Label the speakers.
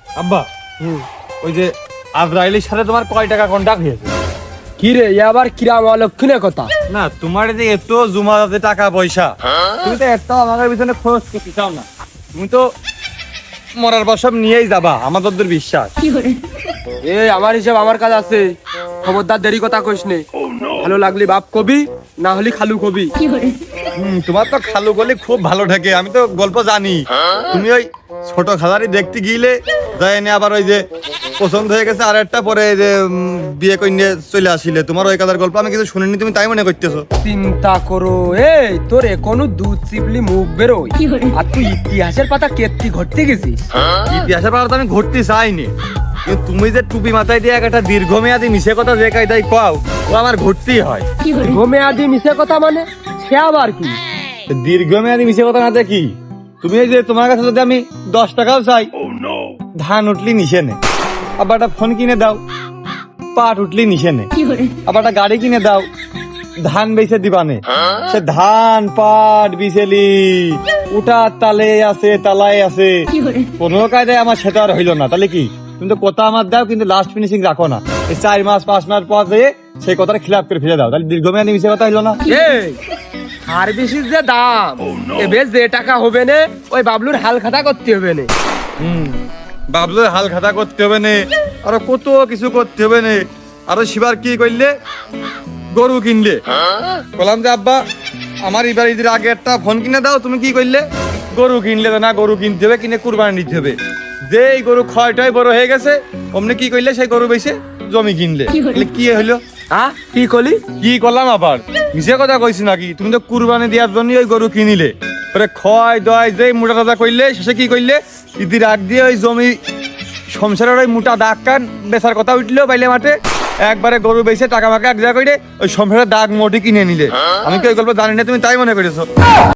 Speaker 1: আব্বা ওই যে আজরাইলের সাথে তোমার কয় টাকা কন্টাক্ট হয়েছে?
Speaker 2: কি রে আবার কিরাম অলক্ষণের কথা?
Speaker 1: না তোমার যে এত জমা আছে টাকা পয়সা, তুমি তো এত আমাদের পিছনে খরচ করতে চাও না। তুমি তো মরার পর সব নিয়েই যাবা, আমাদের বিশ্বাস।
Speaker 2: আমার হিসাব আমার কাজ আছে, খবরদার দেরি কথা কইস নে। ভালো লাগলি বাপ কবি, না হলি খালু কবি।
Speaker 1: তোমার তো খালু গলি খুব ভালো থাকে, আমি তো গল্প জানি। তুমি ওই ছোট খালারি দেখতে গিলে যায়নি, আবার ওই যে পছন্দ হয়ে গেছে আর একটা পরে যে বিয়ে করে নিয়ে চলে আসিলে, তোমার ওই কাদার গল্প আমি কিছু শুনিনি, তুমি তাই মনে করতেছো?
Speaker 2: চিন্তা করো, এই তোর এখনো দুধ চিপলি মুখ বেরোয়, আর তুই ইতিহাসের পাতা কেটে ঘটতে গেছিস।
Speaker 1: ইতিহাসের পাতা তো আমি ঘটতে চাইনি, কিন্তু তুমি যে টুপি মাথায় দিয়ে একটা দীর্ঘমেয়াদী মিশে কথা যে কায়দায় কও, ও আমার ঘটতেই হয়।
Speaker 2: দীর্ঘমেয়াদী মিশে কথা মানে সে আবার কি?
Speaker 1: দীর্ঘমেয়াদী মিশে কথা না দেখি, তুমি এই যে তোমার কাছে যদি আমি 10 টাকাও চাই, ধান উঠলি নিশে নে, আবার একটা ফোন কিনে দাও, পাট উঠলি নিশে নে, আবার একটা গাড়ি কিনে দাও, ধান বেচে দিবানে। সে ধান পাট বিছেলি উঠার তালে আছে, তালায় আছে, কোনো কায়দায় আমার সেটা আর হইলো না। তাহলে কি তুমি তো কথা আমার দাও, কিন্তু লাস্ট ফিনিশিং রাখো না। এই 4 মাস 5 মাস পর দিয়ে সেই কথাটা খিলাপ করে ফেলে দাও, তাহলে দীর্ঘমেয়াদী মিশে কথা হইলো না।
Speaker 2: আর বেশি যে দাম, এবার যে টাকা হবে না ওই বাবলুর হাল খাতা করতে হবে না।
Speaker 1: বাবলুর হাল খাতা করতে হবে না, আরো কত কিছু করতে হবে না। আরো শিবার কি করলে, গরু কিনলে। বললাম যে আব্বা আমার এবার ঈদের আগে একটা ফোন কিনে দাও, তুমি কি করলে, গরু কিনলে। না গরু কিনতে হবে, কিনে কুরবানি দিতে হবে। যে এই গরু ক্ষয়টাই বড় হয়ে গেছে, অমনি কি করলে, সেই গরু বেচে জমি কিনলে। কি হইলো?
Speaker 2: কি করলি?
Speaker 1: কি করলাম আবার, মিশে কথা কইছি নাকি? তুমি তো কুরবানি দেওয়ার জন্য ওই গরু কিনিলে, পরে ক্ষয় দয় যে মোটা টাদা করলে, শেষে কি করলে, ঈদের আগ দিয়ে ওই জমি সংসারের ওই মোটা দাগ কান বেচার কথা উঠলো বাইলে মাঠে, একবারে গরু বেচে টাকা ফাঁকা এক জায়গা করে ওই সংসারের দাগ মোটি কিনে নিলে। আমি কি ওই গল্প জানি না, তুমি তাই মনে করেছো?